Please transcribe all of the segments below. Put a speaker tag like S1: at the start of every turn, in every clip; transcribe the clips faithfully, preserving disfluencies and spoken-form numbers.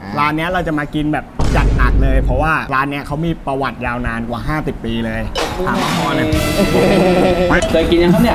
S1: ร้านนี้เราจะมากินแบบจัดหนักเลยเพราะว่าร้านนี้เขามีประวัติยาวนานกว่าห้าสิบปีเลยถามพ่อเลย
S2: เคยกินยังครับเนี่ย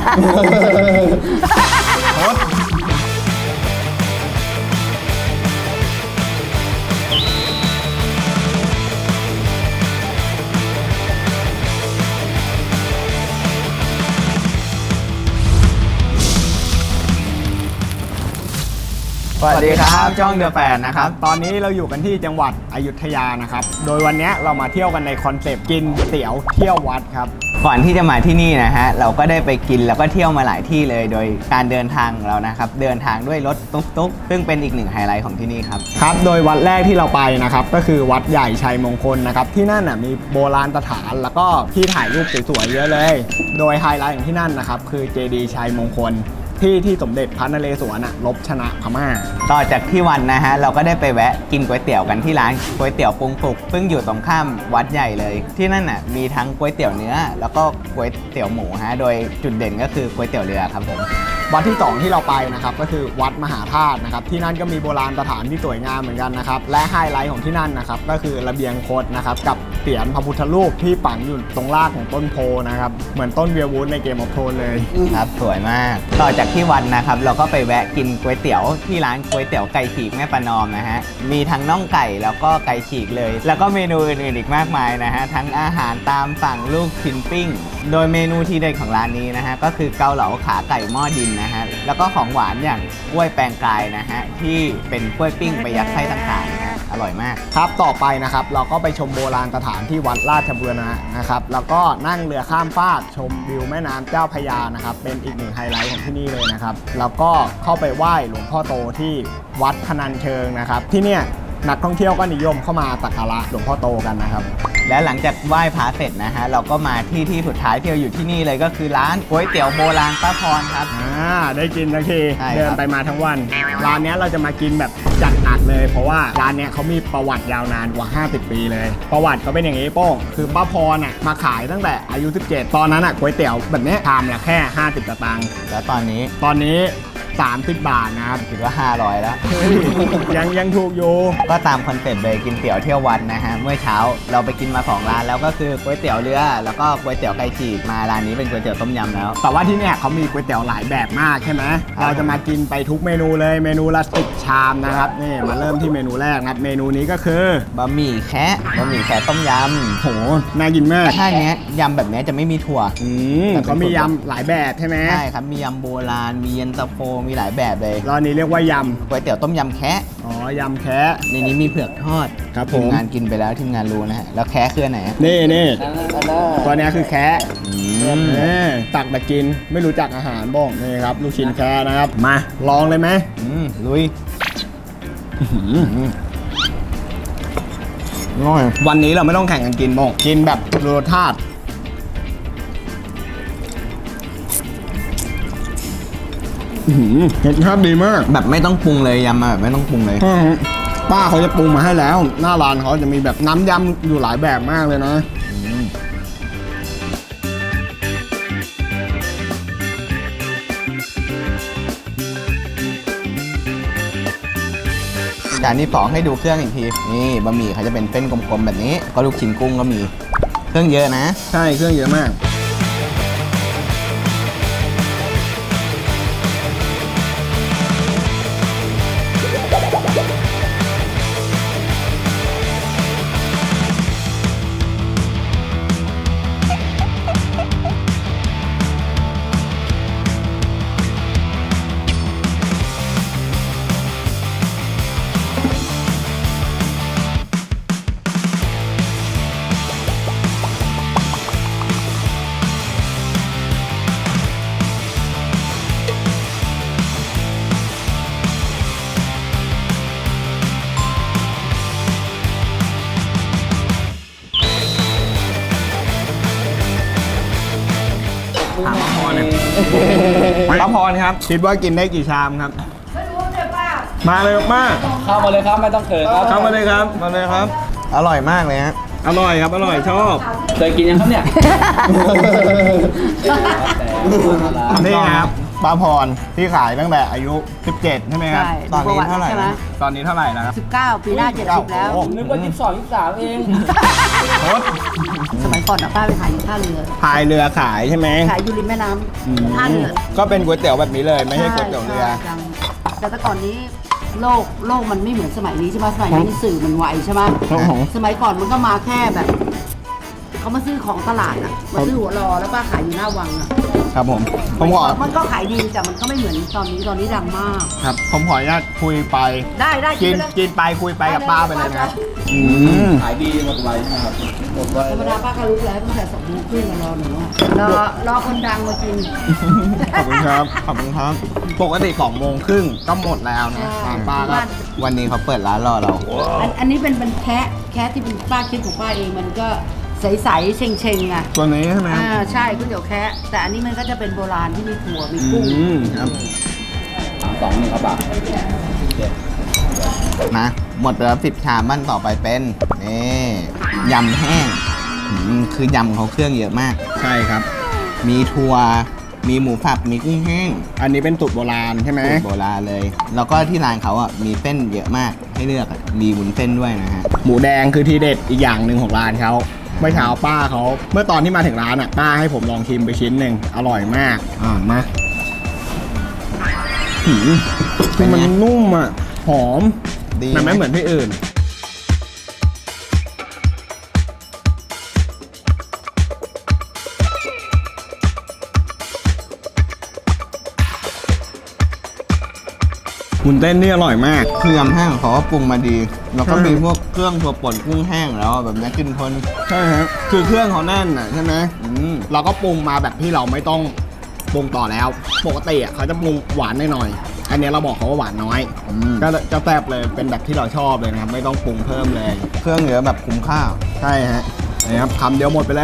S1: สวัสดีครับช่องเดอะแฟนนะครับตอนนี้เราอยู่กันที่จังหวัดอยุธยานะครับโดยวันนี้เรามาเที่ยวกันในคอนเซปต์กินเตี๋ยวเที่ยววัดครับ
S3: ก่อนที่จะมาที่นี่นะฮะเราก็ได้ไปกินแล้วก็เที่ยวมาหลายที่เลยโดยการเดินทางของเรานะครับเดินทางด้วยรถตุ๊กๆซึ่งเป็นอีกหนึ่งไฮไลท์ของที่นี่ครับ
S1: ครับโดยวัดแรกที่เราไปนะครับก็คือวัดใหญ่ชัยมงคลนะครับที่นั่นน่ะมีโบราณสถานแล้วก็ที่ถ่ายรูปสวยๆเยอะเลยโดยไฮไลท์ของที่นั่นนะครับคือเจดีย์ชัยมงคลที่ที่สมเด็จพระนเรศวรลบชนะพม่า
S3: ต่อจากที่วันนะฮะเราก็ได้ไปแวะกินก๋วยเตี๋ยวกันที่ร้านก๋วยเตี๋ยวปรุงสุกซึ่งอยู่ตรงข้ามวัดใหญ่เลยที่นั่นน่ะมีทั้งก๋วยเตี๋ยวเนื้อแล้วก็ก๋วยเตี๋ยวหมูฮะโดยจุดเด่นก็คือก๋วยเตี๋ยวเรือครับผม
S1: วัดที่สองที่เราไปนะครับก็คือวัดมหาธาตุนะครับที่นั่นก็มีโบราณสถานที่สวยงามเหมือนกันนะครับและไฮไลท์ของที่นั่นนะครับก็คือระเบียงคดนะครับกับเสียนพระพุทธรูปที่ฝังอยู่ตรงรากของต้นโพนะครับเหมือนต้นเวียวูดในเกมออฟโทนเลย
S3: ครับสวยมากต่อจากที่วัดนะครับเราก็ไปแวะกินก๋วยเตี๋ยวที่ร้านก๋วยเตี๋ยวไก่ฉีกแม่ประนอมนะฮะมีทั้งน่องไก่แล้วก็ไก่ฉีกเลยแล้วก็เมนูอื่นๆอีกมากมายนะฮะทั้งอาหารตามสั่งลูกชิ้นปิ้งโดยเมนูที่เด็ดของร้านนี้นะฮะก็คือเกาเหลาขาไก่หม้อดินนะฮะแล้วก็ของหวานอย่างกล้วยแปลงกายนะฮะที่เป็นกล้วยปิ้งไปยัดไส้ต่างๆนะฮะอร่อยมาก
S1: ครับต่อไปนะครับเราก็ไปชมโบราณสถานที่วัดราชบูรณะนะครับแล้วก็นั่งเรือข้ามฟากชมวิวแม่น้ำเจ้าพระยานะครับเป็นอีกหนึ่งไฮไลท์ของที่นี่เลยนะครับแล้วก็เข้าไปไหว้หลวงพ่อโตที่วัดพนัญเชิงนะครับที่เนี่ยนักท่องเที่ยวก็นิยมเข้ามาสักการะหลวงพ่อโตกันนะครับ
S3: และหลังจากไหว้พระเสร็จนะฮะเราก็มาที่ที่สุดท้ายที่เราอยู่ที่นี่เลยก็คือร้านก๋วยเตี๋ยวโบราณป้าพรครับ
S1: อ่าได้กินทันทีเดินไปมาทั้งวันร้านนี้เราจะมากินแบบจัดหนักเลยเพราะว่าร้านนี้เขามีประวัติยาวนานกว่าห้าสิบปีเลยประวัติเขาเป็นอย่างนี้โป้งคือป้าพรน่ะมาขายตั้งแต่อายุสิบเจ็ดตอนนั้นอ่ะก๋วยเตี๋ยวแบบนี้ชามละแค่ห้าสิบสตางค์
S3: แล้วตอนนี้
S1: ตอนนี้สามสิบบาทนะครับ
S3: ถือว่าห้าร้อยแล้ว
S1: ยังยังถูกอยู่
S3: ก็ตามคอนเซ็ปต์เลยกินเตี๋ยวเที่ยววัดนะฮะเมื่อเช้าเราไปกินมาสองร้านแล้วก็คือก๋วยเตี๋ยวเรือแล้วก็ก๋วยเตี๋ยวไก่ฉีกมาร้านนี้เป็นก๋วยเตี๋ยวต้มยำแล้ว
S1: แต่ว่าที่เนี่ยเขามีก๋วยเตี๋ยวหลายแบบมากใช่ไหมเราจะมากินไปทุกเมนูเลยเมนูละสิบชามนะครับนี่มาเริ่มที่เมนูแรกนะครับเมนูนี้ก็คือบ
S3: ะหมี่แคะบะหมี่แคะต้มยำ
S1: โหน่ากินมาก
S3: ถ้าเนี้ยยำแบบนี้จะไม่มีถั่ว
S1: อืมเขามียำหลายแบบใช่ไหม
S3: ใช่ครับมียำโบราณมีเย็นตาโฟมีหลายแบบเลย
S1: ร้านนี้เรียกว่ายำ
S3: ก๋วยเตี๋ยวต้มยำแคะ
S1: อ๋อยำแคะ
S3: ในนี้มีเผือกทอด
S1: ครับผม
S3: ทีมงานกินไปแล้วทีมงานรู้นะฮะแล้วแคะคืออันไหน
S1: นี่นี่ตัวนี้คือแคะนี่ตักมากินไม่รู้จักอาหารบ้องนี่ครับลูกชิ้นแคะนะครับมาลองเลยไหม
S3: ลุย
S1: น้อยวันนี้เราไม่ต้องแข่งกันกินบ้องกินแบบรสชาติรสชาติดีมาก
S3: แบบไม่ต้องปรุงเลยยำมาแบบไม่ต้องปรุงเลย
S1: ป้าเขาจะปรุงมาให้แล้วหน้าร้านเขาจะมีแบบน้ำยำอยู่หลายแบบมากเลยนะ
S3: จานที่สองให้ดูเครื่องอีกทีนี่บะหมี่เขาจะเป็นเส้นกลมๆแบบนี้ก็ลูกชิ้นกุ้งก็มีเครื่องเยอะนะ
S1: ใช่เครื่องเยอะมากถามป้าพรเนี่ยป้าพรครับคิดว่ากินได้กี่ชามครับไม่รู้เลยป้ามาเลยป้า
S2: เข้ามาเลยครับไม่ต้องเขินครับ
S1: เข้ามาเลยครับมาเลยครับ
S3: อร่อยมากเลยฮะ
S1: อร่อยครับอร่อยชอบ
S2: เคยกินยังครับเนี่ย
S1: นี่ครับป้าพรที่ขายตั้งแต่อายุ สิบเจ็ด ใช่ไหมครับ
S4: ใช่
S1: ตอนนี้
S4: ประวัติ
S1: เท่าไหร่
S4: ใช่ไหม
S1: นะตอนนี้เท่าไหร่แล้วครับ
S4: สิบเก้าปีหน้าเจ็ดสิบแล้ว
S1: โอ้
S2: นึกว่ายี่สิบสองยี่สิบสามเอง
S1: โคตร
S4: สมัยก่อนอะป้าไปขายอยู่ท่าเรือ
S1: พายเรือขายใช่ไหม
S4: ขายอยู่ริมแม่น้
S1: อืม
S4: ำท่าเรือ
S1: ก็เป็นก๋วยเตี๋ยวแบบนี้เลยไม่ใช่ก๋วยเตี๋ยวเรือ
S4: ใช่ใช่แต่แต่ก่อนนี้โลกโลกมันไม่เหมือนสมัยนี้ใช่ไหมสมัยนี้สื่อมันไวใช่ไหม
S1: ครับผม
S4: สมัยก่อนมันก็มาแค่แบบเขามาซื้อของตลาดอะมาซื้อหัวรอแล้วป้าขายอยู่หน้าวังอะ
S1: ครับผมผมขอ
S4: มันก็ขายดีแต่มันก็ไม่เหมือนตอนนี้ตอนนี้ดังมาก
S1: ครับผมขออนุญาตคุยไป
S4: ได้ได้
S1: กิน
S4: ไปเลย
S1: กินไปคุยไปกับป้าไปเลยนะอืม
S2: ขายดีหมดไวนะครับหมดไว
S4: ธรรมดาป้าก็รู้แล้วตั้งแต่สองโมงครึ่งมารอหนูอะรอรอคนดังมากิน
S1: ขอบคุณครับขอบคุณครับปกติสองโมงครึ่งก็หมดแล้วนะ
S4: ใช่
S1: ป้าก็
S4: บ้าน
S3: วันนี้เขาเปิดร้านรอเรา
S4: อันอันนี้เป็นเป็นแคะแคะที่เป็นป้าคิดของป้าเองมันก็ใสๆเชงๆอ่ะ
S1: ตัวนี้ใช่ไหมครับ
S4: อ่าใช่ก๋วยเตี๋ยวแคะแต่อันนี้มันก็จะเป็นโบราณที่มีถั่วมี
S1: อื
S4: กุ้ง
S1: มครับ
S2: สามสองหนึ่งครับบาท
S3: นะหมดไปแล้วสิบชามบ้านต่อไปเป็นนี่ยำแห้งอืมคือยำเขาเครื่องเยอะมาก
S1: ใช่ครับ
S3: มีถั่วมีหมูสับมีกุ้งแห้ง
S1: อันนี้เป็นสูตรโบราณใช่ไหม
S3: สูตรโบราณเลย แล้วก็ที่ร้านเขาอ่ะมีเส้นเยอะมากให้เลือกอะมีวุ้นเส้นด้วยนะฮะ
S1: หมูแดงคือทีเด็ดอีกอย่างหนึ่งของร้านเขาเมื่อเช้าป้าเขาเมื่อตอนที่มาถึงร้านอ่ะป้าให้ผมลองชิมไปชิ้นหนึ่งอร่อยมากอ่ามาหืม
S3: เป็นไง
S1: มันนุ่มอ่ะหอม
S3: ดี
S1: มันไม่
S3: ไหม
S1: เหมือนที่อื่น มุนเต้นนี่อร่อยมาก
S3: คือยำแห้งของเขาก็ปรุงมาดี แล้วก็
S1: ใช่
S3: มีพวกเครื่องถั่วป่นกุ้งแห้งแล้วแบบนี้กินทน
S1: ใช่ครับคือเครื่องเขาแน่นอ่ะใช่ไหม
S3: อืม
S1: เราก็ปรุงมาแบบที่เราไม่ต้องปรุงต่อแล้ว ปกติอ่ะเขาจะปรุงหวานหน่อยๆอันนี้เราบอกเขาว่าหวานน้อย
S3: อืม
S1: ก็จะแซ่บเลยเป็นแบบที่เราชอบเลยนะครับ ไม่ต้องปรุงเพิ่มเลย
S3: เครื่องเยอะแบบคุ้มค่า
S1: ใช่ฮะนี่ครับคำเดียวหมดไปเลย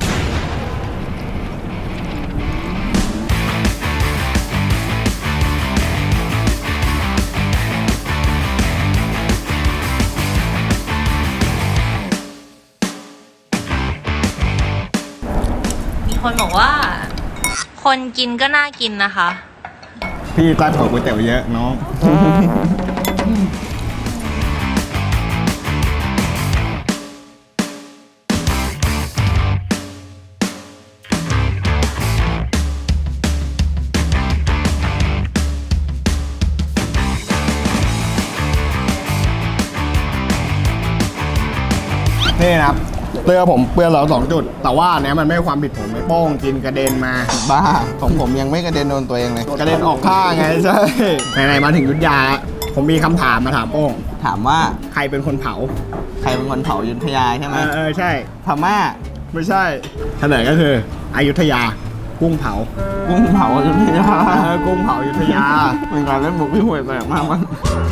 S5: มีคนบอกว่า คนกินก็น่ากินนะคะ
S1: พี่ใต้ถั่วก๋วยเตี๋ยวเยอะน้อง นี่นะครับเตือผมเปื้อนเราสองจุด แต่ว่าอันเนี้ยมันไม่ใช่ความผิดผมไม่โป้งกินกระเด็นมา
S3: บ้าของผมยังไม่กระเด็นโดนตัวเองเลย
S1: กระเด็นออกข้างไงใช่ไหนๆมาถึงยุทธยา ผมมีคำถามมาถามโป้ง
S3: ถามว่า
S1: ใครเป็นคนเผา
S3: ใครเป็นคนเผาอยุธยาใช่ไห
S1: เอ
S3: ม
S1: อเออใช่
S3: พม่า
S1: ไม่ใช่เฉลยก็คืออยุธยา กุ้งเผา
S3: กุ้งเผาอยุธยา
S1: เออกุ้งเผาอยุธยา
S3: เป็นการเล่นมุกที่ห่วยแตกมากมั้ง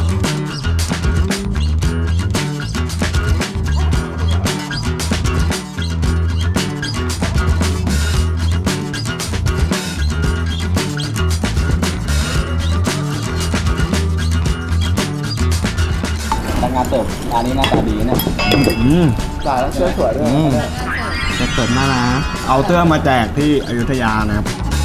S2: ทำงานเติบร้านนี้หน้าตาดีเนี่ย
S1: อืม
S2: จ่ายแล้วเสื้อสวยด้วย
S3: อืมจะเกิดมานะ
S1: เอาเตื้อมาแจกที่อยุธยานะครับ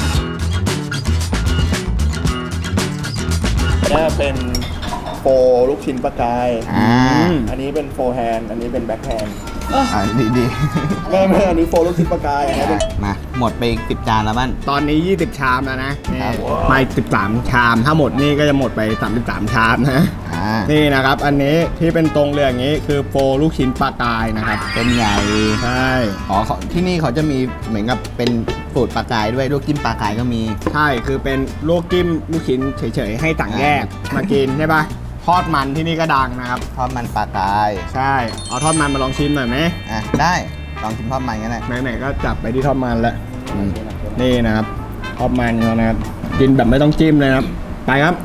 S6: นี่เป็นโฟลูกชิ้นปลากาย
S3: อ่า
S6: อันนี้เป็นโฟแฮนด์อันนี้เป็นแบ็คแฮนด์
S3: อ่าดีดี
S6: ไม่ไม่อันนี้โฟลูกชิ้นปลากายอันนี้เป็น
S3: ๆมาหมดไปอีกสิบจานแล้วบ้าน
S1: ตอนนี้ ยี่สิบ ชามแล้วนะนี่
S3: ครับ
S1: ไม่สิบสาม ชาม ถ้าหมดนี่ก็จะหมดไป สามสิบสาม ชามนะ
S3: อ่า
S1: นี่นะครับ อันนี้ที่เป็นตรงเรืออย่างนี้คือโฟลูกชิ้นปลากายนะครับ
S3: เป็นใหญ่
S1: ใช่
S3: อ๋อเขาที่นี่เขาจะมีเหมือนกับเป็นสูตรปลากายด้วยลูกจิ้มปลากายก็มี
S1: ใช่คือเป็นลูกจิ้มลูกชิ้นเฉยๆ ให้ต่างแยกมากินใช่ปะทอดมันที่นี่ก็ดังนะครับ
S3: ทอดมันปลากาย
S1: ใช่ เอาทอดมันมาลองชิมหน่อยไหม
S3: อ่ะได้ลองชิมทอดมันกันหน่อย
S1: ไหนๆก็จับไปที่ทอดมันแล้ว
S3: อืม
S1: นี่นะครับทอดมันเขานะครับ กินแบบไม่ต้องจิ้มเลยนะครับ ไปครับ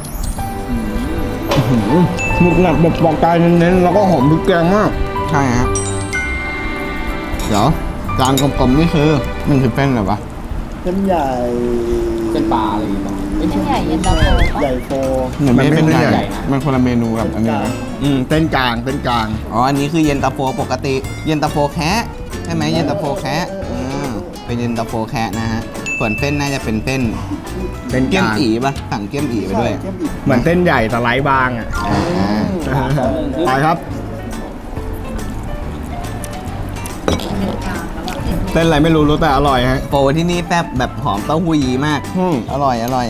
S1: หมุกหนักแบบปอกกายเน้นๆแล้วก็หอมพริกแกงมาก
S3: ใช่ฮะเดี๋ยวจานกลมๆนี่คือมันคือเส้นอะไรวะ
S6: เส้นใหญ่
S2: เป็นปลาอะไรอย่างเงี้ย
S5: เส้นใหญ่เย็นตาโฟปะ
S6: ใหญ่โฟ
S3: เหมือนไม่ได้เป็น
S1: มันไม่
S3: ให
S1: ใหญ่
S3: ญ่มันคนละเมนูกับอันนี้นะ
S1: อืมเส้นกลางเส้นกลาง
S3: อ๋ออันนี้คือเย็นตาโฟปกติ เย็นตาโฟแคะใช่ไหมเย็นตาโฟแคะอืมเป็นเย็นตาโฟแคะนะฮะส่วนเส้นน่าจะเป็นเส้น
S1: เส้น
S3: เกี๊ยม
S1: กลาง
S3: อีป่ะสั่งเกี๊ยมอีไปด้วย
S6: ใช่เกี๊ยมอีก
S1: เหมือนเส้นใหญ่สไลด์บางอ่ะ
S3: อ่า
S1: ไปครับ เส้นอะไรไม่รู้รู้แต่อร่อยฮะ
S3: โปรที่นี่แซ่บแบบหอมเต้าหู้ยี้มาก
S1: อืม
S3: อร่อยอร่อย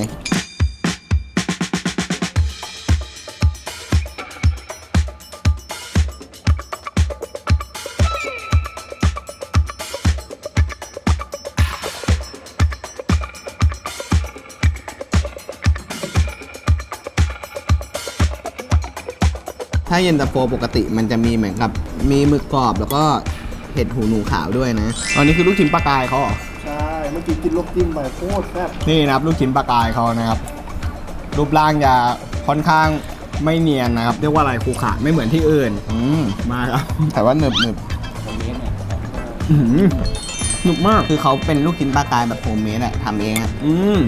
S3: ถ้าเย็นตาโฟปกติมันจะมีเหมือนกับมีหมึกกรอบแล้วก็เห็ดหูหนูขาวด้วยนะ
S1: อันนี้คือลูกชิ้นปลากายเขาเหรอ
S6: ใช่ เมื่อกี้กินลูกจิ้มไปโคตรแซ่บ
S1: นี่นะครับลูกชิ้นปลากายเขานะครับ รูปร่างจะค่อนข้างไม่เนียนนะครับ เรียกว่าอะไรคูขาดไม่เหมือนที่อื่น
S3: อืม
S1: มาครับ
S3: แต่ว่าหนึบหนึบ
S2: ตรงนี้เนี่ย
S1: อื้อหือหนุกมาก
S3: คือเขาเป็นลูกชิ้นปลากายแบบโฮมเมดอะทำเองอะ
S1: อืม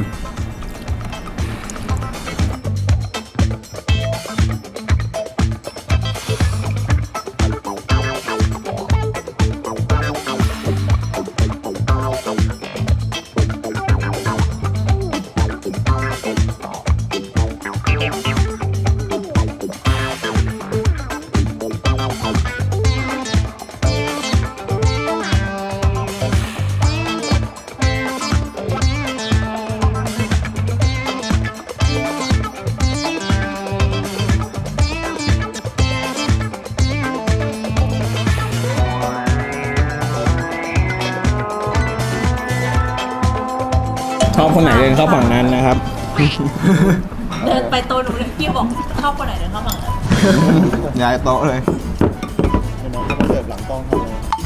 S1: ชอบคนไหนเดินเข้าฝั่งนั้นนะครับ
S5: เดินไปโต๊ะหนูเลยพี่บอกเข้าคนไหนเดินเข้าฝั่งนั้น
S3: ย้ายโต๊ะเลย
S6: เห็นไหมเขาเสิร์ฟหลังกล้องให้เลย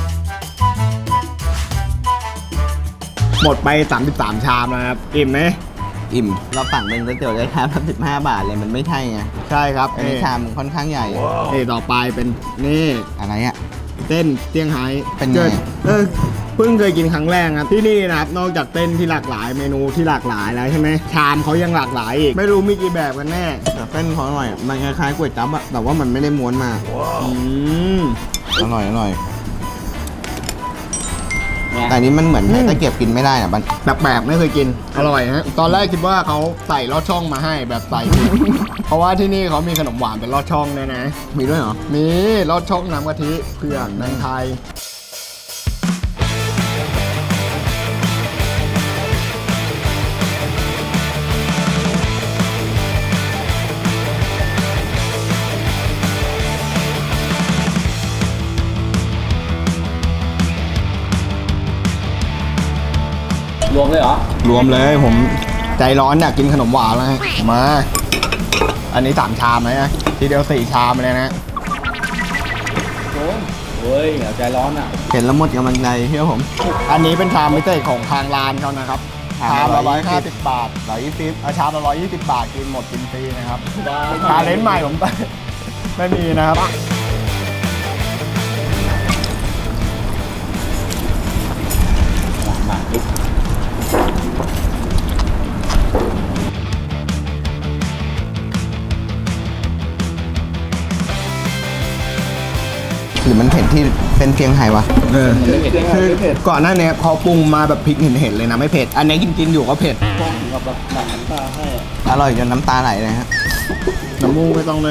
S1: หมดไปสามสิบสามชามนะครับ อิ่มไหม
S3: อิ่ม เราสั่งเป็นก๋วยเตี๋ยวได้ชามละสิบห้าบาทเลยมันไม่ใช่ไง
S1: ใช่ครับ
S3: อันนี้
S1: นี่
S3: ชามค่อนข้างใหญ่
S1: นี่ต่อไปเป็นนี่
S3: อะไรอะ
S1: เต้นเซี่ยงไฮ้
S3: เป็นไง
S1: กิดเออเพิ่งเคยกินครั้งแรกครับที่นี่นะครับนอกจากเต้นที่หลากหลายเมนูที่หลากหลายแล้วใช่ไหมชามเขายังหลากหลายอีกไม่รู้มีกี่แบบกันแน่
S3: แต่เส้นเขาอร่อยอะมันคล้ายๆก๋วยจั๊บอะแต่ว่ามันไม่ได้ม้วนมา
S1: อืม
S3: อร่อยอร่อย
S2: เนี่ย
S3: แต่อันนี้มันเหมือนใช้ตะเกียบกินไม่ได้อะมัน
S1: แบบแบบไม่เคยกินอร่อยฮะตอนแรกคิดว่าเขาใส่ลอดช่องมาให้แบบใส่ เพราะว่าที่นี่เขามีขนมหวานเป็นลอดช่องด้วยนะ
S3: มีด้วยเหรอ
S1: มีลอดช่องน้ำกะทิเผือกแตงไทย
S2: รวมเลยเหรอ
S1: รวมเลยผมใจร้อนอยากกินขนมหวานแล้วฮะมา อันนี้สามชามเลยนะทีเดียวสี่ชามเลยนะ
S2: โอ้ยเฮ้ยอย่าใจร้อนอ่ะ
S3: เห็นแล้วหมดกำลังใจเชื่อผม
S1: อันนี้เป็นชามพิเศษของทางร้านเขานะครับ
S3: ชาม
S1: ชาม
S3: ละ
S1: ละร้อยห้า
S3: ร้อยยี่สิ
S1: สิ
S3: บ
S1: บบาทร้อยยี่สิบชามละร้อยยี่สิบบาทกินหมดกินฟรีนะครับ
S2: ว้าว
S1: ชาเลนจ์ใหม่ผม ไม่มีนะครับ
S2: มาดิ
S3: หรือมันเผ็ดที่เป็นเชียงไฮ้วะ
S1: เออ
S2: ไม่เผ็ด
S1: คือก่อนหน้านี้เขาปรุงมาแบบพริกเห็นๆเลยนะไม่เผ็ด อันนี้กินกินๆอยู่ก็เผ็ด
S6: กล้องถึงกับแบบหนักน้ำตาให้อะ
S3: อร่อยจนน้ำตาไหลเลยฮะ
S1: น้ำมูกไม่ต้องเลย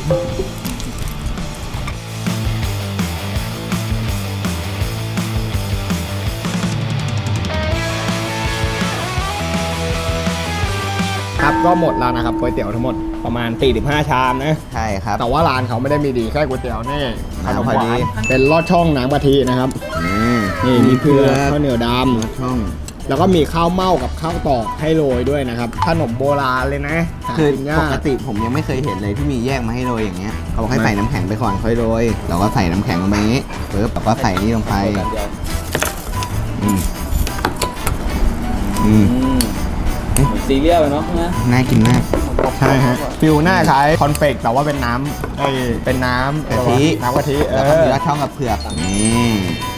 S1: ครับก็หมดแล้วนะครับก๋วยเตี๋ยวทั้งหมดประมาณสี่สิบห้าชามนะ
S3: ใช่ครับ
S1: แต่ว่าร้านเขาไม่ได้มีดีแค่ก๋วยเตี๋ยวนี่ขนม
S3: พอ
S1: ห
S3: ดี
S1: วานเป็นลอดช่องน้ำกะทินะครับ
S3: อืม
S1: นี่มีเผือกข้าวเหนียวด
S3: ช่อง
S1: ำแล้วก็มีข้าวเม่ากับข้าวตอกให้โรยด้วยนะครับ ขนมโบราณเลยนะหา
S3: คือ
S1: กินยา
S3: ปกติผมยังไม่เคยเห็นเลยที่มีแยกมาให้โรยอย่างเงี้ยเขาบอกให้ใส่น้ำแข็งไปก่อนค่อยโรยเราก็ใส่น้ำแข็งลงไปอย่างงี้ปึ๊บแล้วก็ใส่นี่ลงไป
S2: กันเดียว
S3: อืมอืม
S2: อืมเหมือนซีเรียลเลยเนาะนะ
S3: น่ากินมาก
S1: ใช่ฮะฟิลหน้าคล้ายคอนเฟกต์แต่ว่าเป็นน้ำไอ้เป็นน้ำ
S3: กะทิ
S1: น้ำกะทิเอ
S3: แล้วก็
S1: อ
S3: มีลอดช่องกับเผือกนี่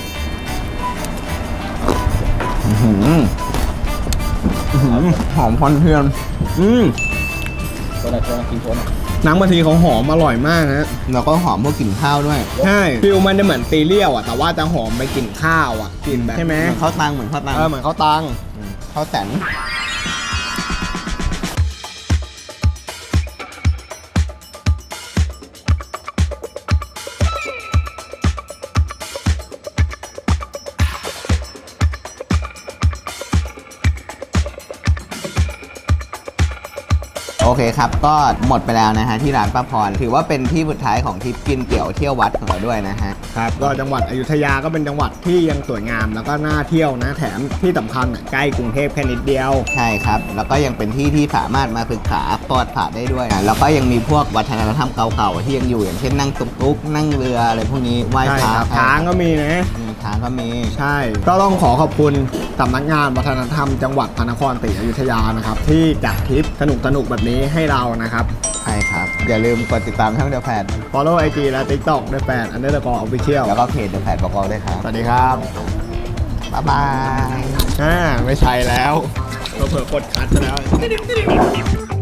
S3: อื้อหืออื้อหือหอมควันเทียม
S1: อืม
S2: ตัวไหนตัวไหนกินตัวไหน
S1: น้ำกะทิของหอมอร่อยมากฮะ
S3: แล้วก็หอมพวกกลิ่นข้าวด้วย
S1: ใช่ฟิลมันจะเหมือนซีเรียลอ่ะแต่ว่าจะหอมไปกลิ่นข้าวอ่ะกลิ่นแบบใช่ไหม
S3: เหมือนข้าวตังเหมือนข้าวตัง
S1: เออเหมือนข้าวตัง
S3: ข้าวแตนเคครับก็หมดไปแล้วนะฮะที่ร้านป้าพรถือว่าเป็นที่สุดท้ายของทริปกินเตี๋ยวเที่ยววัดของเราด้วยนะฮะ
S1: ครับก็จังหวัดอยุธยาก็เป็นจังหวัดที่ยังสวยงามแล้วก็น่าเที่ยวนะแถมที่สำคัญอ่ะใกล้กรุงเทพแค่นิดเดียว
S3: ใช่ครับแล้วก็ยังเป็นที่ที่สามารถมาศึกษาปอดผ่าได้ด้วยนะแล้วก็ยังมีพวกวัฒนธรรมเก่าๆที่ยังอยู่อย่างเช่นนั่งตุ๊กๆนั่งเรืออะไรพวกนี้ไหว้
S1: ใช่
S3: พระ
S1: ครับช้างก็มีนะ
S3: อืมช้างก็มี
S1: ใช่ ก็ต้องขอขอบคุณสำนักงานวัฒนธรรมจังหวัดพระนครศรีอยุธยานะครับที่จัดทริปสนุกๆแบบนี้ให้เรานะครับ
S3: ใช่ครับ อย่าลืมกดติดตามช่องเดอะแพด
S1: follow ไอ จี และ TikTok ด้วยแฟน underscore official
S3: แล้วก็เพจเดอะแพดบอกเราด้วยครับ
S1: สวัสดีครับ
S3: บ๊ายบาย
S1: อ่าไม่ใช่แล้วเราเผื่อกดคัดไปแล้ว